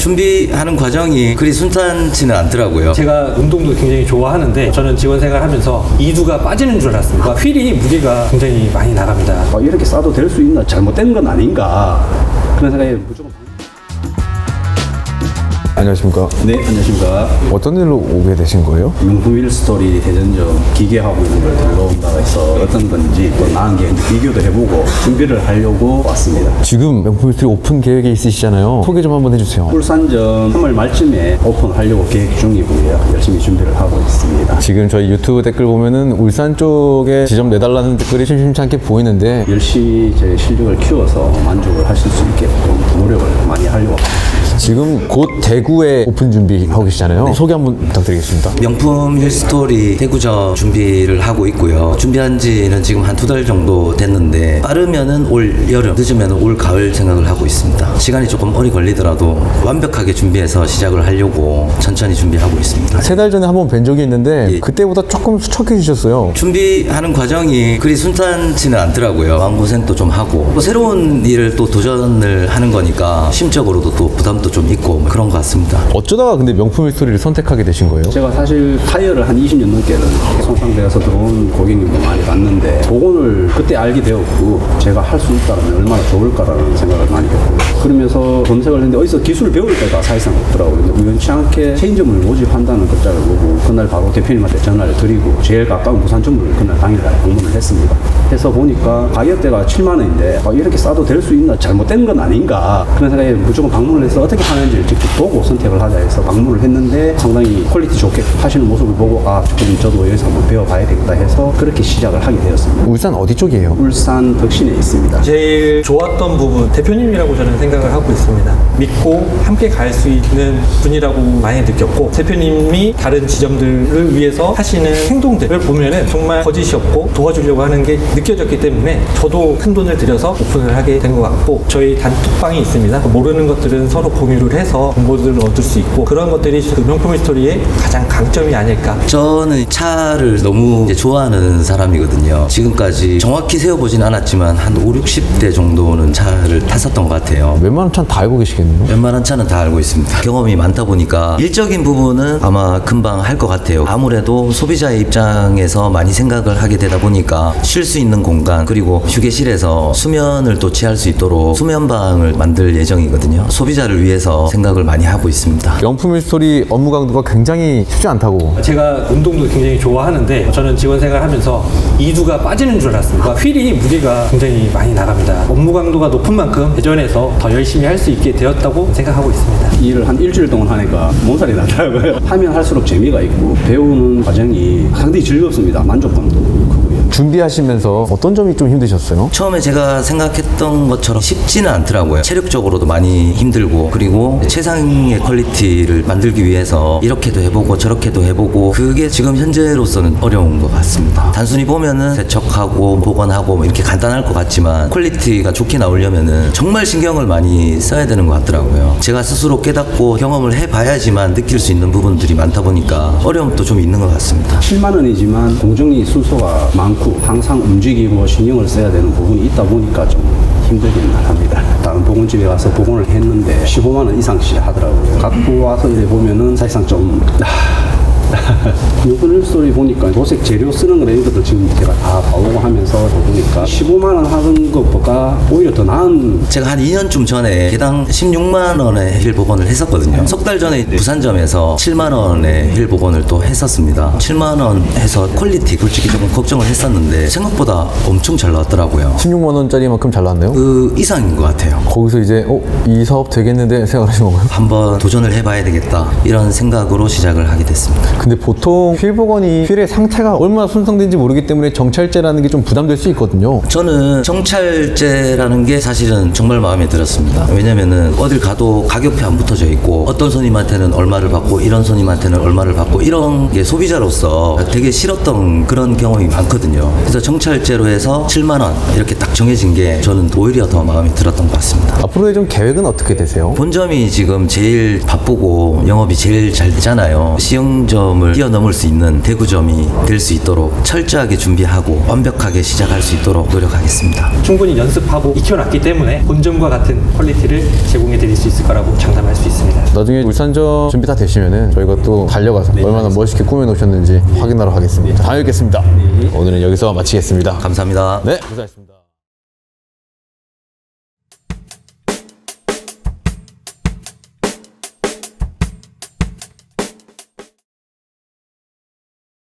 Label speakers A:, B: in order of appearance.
A: 준비하는 과정이 그리 순탄치는 않더라고요.
B: 제가 운동도 굉장히 좋아하는데 저는 직원 생활하면서 이두가 빠지는 줄 알았습니다. 휠이 무게가 굉장히 많이 나갑니다.
C: 이렇게 싸도 될 수 있나, 잘못된 건 아닌가, 그런 생각에 무조건.
D: 안녕하십니까.
C: 네, 안녕하십니까.
D: 어떤 일로 오게 되신 거예요?
C: 명품 휠스토리 대전점 기계하고 있는 걸 들러온다고 해서 어떤 건지 또 나은 게 비교도 해보고 준비를 하려고 왔습니다.
D: 지금 명품 휠스토리 오픈 계획이 있으시잖아요. 소개 좀 한번 해주세요.
C: 울산점 3월 말쯤에 오픈하려고 계획 중이고요. 열심히 준비를 하고 있습니다.
D: 지금 저희 유튜브 댓글 보면은 울산 쪽에 지점 내달라는 댓글이 심심찮게 보이는데
C: 열심히 제 실력을 키워서 만족을 하실 수 있게끔 노력을 많이 하려고 합니다.
D: 지금 곧 대구에 오픈 준비하고 계시잖아요. 소개 한번 부탁드리겠습니다.
A: 명품 힐스토리 대구점 준비를 하고 있고요. 준비한 지는 지금 한 2달 정도 됐는데 빠르면은 올 여름, 늦으면은 올 가을 생각을 하고 있습니다. 시간이 조금 오래 걸리더라도 완벽하게 준비해서 시작을 하려고 천천히 준비하고 있습니다.
D: 3달 전에 한번 뵌 적이 있는데
A: 예.
D: 그때보다 조금 수척해지셨어요.
A: 준비하는 과정이 그리 순탄치는 않더라고요. 마음고생도 좀 하고 또 새로운 일을 또 도전을 하는 거니까 심적으로도 또 부담도 좀 있고 그런 것 같습니다.
D: 어쩌다가 근데 명품 힐스토리를 선택하게 되신 거예요?
C: 제가 사실 타이어를 한 20년 넘게는 손상되어서 들어온 고객님도 많이 봤는데 복원을 그때 알게 되었고 제가 할 수 있다면 얼마나 좋을까라는 생각을 많이 했고 그러면서 검색을 했는데 어디서 기술을 배울 때가 사실상 없더라고요. 근데 우연치 않게 체인점을 모집한다는 글자를 보고 그날 바로 대표님한테 전화를 드리고 제일 가까운 부산점을 그날 당일날 방문을 했습니다. 해서 보니까 가격대가 7만 원인데 이렇게 싸도 될 수 있나, 잘못된 건 아닌가, 그런 생각에 무조건 방문을 해서 어떻게 하는지를 직접 보고 선택을 하자 해서 방문을 했는데 상당히 퀄리티 좋게 하시는 모습을 보고 조금 저도 여기서 한번 배워봐야 되겠다 해서 그렇게 시작을 하게 되었습니다.
D: 울산 어디 쪽이에요?
C: 울산 덕신에 있습니다.
B: 제일 좋았던 부분, 대표님이라고 저는 생각을 하고 있습니다. 믿고 함께 갈 수 있는 분이라고 많이 느꼈고 대표님이 다른 지점들을 위해서 하시는 행동들을 보면은 정말 거짓이 없고 도와주려고 하는 게 느껴졌기 때문에 저도 큰 돈을 들여서 오픈을 하게 된 것 같고 저희 단톡방이 있습니다. 모르는 것들은 서로 공유를 해서 정보들을 얻을 수 있고 그런 것들이 그 명품 스토리의 가장 강점이 아닐까.
A: 저는 차를 너무 이제 좋아하는 사람이거든요. 지금까지 정확히 세어보진 않았지만 한 5, 60대 정도는 차를 탔었던 것 같아요.
D: 웬만한 차는 다 알고 계시겠네요.
A: 웬만한 차는 다 알고 있습니다. 경험이 많다 보니까 일적인 부분은 아마 금방 할 것 같아요. 아무래도 소비자의 입장에서 많이 생각을 하게 되다 보니까 쉴 수 있는 공간 그리고 휴게실에서 수면을 또 취할 수 있도록 수면방을 만들 예정이거든요. 소비자를 위해서 생각을 많이 하고 있습니다.
D: 명품 힐스토리 업무 강도가 굉장히 쉽지 않다고.
B: 제가 운동도 굉장히 좋아하는데 저는 직원 생활하면서 이두가 빠지는 줄 알았습니다. 휠이 무게가 굉장히 많이 나갑니다. 업무 강도가 높은 만큼 대전에서 더 열심히 할 수 있게 되었다고 생각하고 있습니다.
C: 일을 한 일주일 동안 하니까 몸살이 나더라고요. 하면 할수록 재미가 있고 배우는 과정이 상당히 즐겁습니다. 만족감도 크고요.
D: 준비하시면서 어떤 점이 좀 힘드셨어요?
A: 처음에 제가 생각했던 것처럼 쉽지는 않더라고요. 체력적으로도 많이 힘들고 그리고 최상의 퀄리티를 만들기 위해서 이렇게도 해보고 저렇게도 해보고 그게 지금 현재로서는 어려운 것 같습니다. 단순히 보면은 세척하고 복원하고 뭐 이렇게 간단할 것 같지만 퀄리티가 좋게 나오려면은 정말 신경을 많이 써야 되는 것 같더라고요. 제가 스스로 깨닫고 경험을 해봐야지만 느낄 수 있는 부분들이 많다 보니까 어려움도 좀 있는 것 같습니다.
C: 7만 원이지만 공정이 순서가 많고 항상 움직이고 신경을 써야 되는 부분이 있다 보니까 좀 힘들긴 합니다. 다른 복원집에 가서 복원을 했는데 15만 원 이상씩 하더라고요. 갖고 와서 이제 보면은 사실상 좀 명품 힐스토리 보니까 도색 재료 쓰는 거나 이런 것도 지금 제가 다 봐오고 하면서 보니까 15만 원 하는 것보다 오히려 더 나은.
A: 제가 한 2년쯤 전에 개당 16만 원의 힐 복원을 했었거든요. 석 달 전에 부산점에서 7만 원의 힐 복원을 또 했었습니다. 7만 원 해서 퀄리티 솔직히 조금 걱정을 했었는데 생각보다 엄청 잘 나왔더라고요.
D: 16만 원짜리만큼 잘 나왔나요?
A: 그 이상인 것 같아요.
D: 거기서 이제 이 사업 되겠는데 생각하신 건가요?
A: 한번 도전을 해봐야 되겠다 이런 생각으로 시작을 하게 됐습니다.
D: 근데 보통 휠 복원이 휠의 상태가 얼마나 손상된지 모르기 때문에 정찰제라는 게 좀 부담될 수 있거든요.
A: 저는 정찰제라는 게 사실은 정말 마음에 들었습니다. 왜냐면은 어딜 가도 가격표 안 붙어져 있고 어떤 손님한테는 얼마를 받고 이런 손님한테는 얼마를 받고 이런 게 소비자로서 되게 싫었던 그런 경험이 많거든요. 그래서 정찰제로 해서 7만 원 이렇게 딱 정해진 게 저는 오히려 더 마음에 들었던 것 같습니다.
D: 앞으로의 좀 계획은 어떻게 되세요?
A: 본점이 지금 제일 바쁘고 영업이 제일 잘 되잖아요. 시흥점 대구점을 뛰어넘을 수 있는 대구점이 될 수 있도록 철저하게 준비하고 완벽하게 시작할 수 있도록 노력하겠습니다.
B: 충분히 연습하고 익혀놨기 때문에 본점과 같은 퀄리티를 제공해 드릴 수 있을 거라고 장담할 수 있습니다.
D: 나중에 울산점 준비 다 되시면은 저희가 또 달려가서 얼마나 멋있게 꾸며 놓으셨는지 확인하러 가겠습니다. 다녀오겠습니다. 오늘은 여기서 마치겠습니다.
A: 감사합니다.
D: 네, 고생하셨습니다.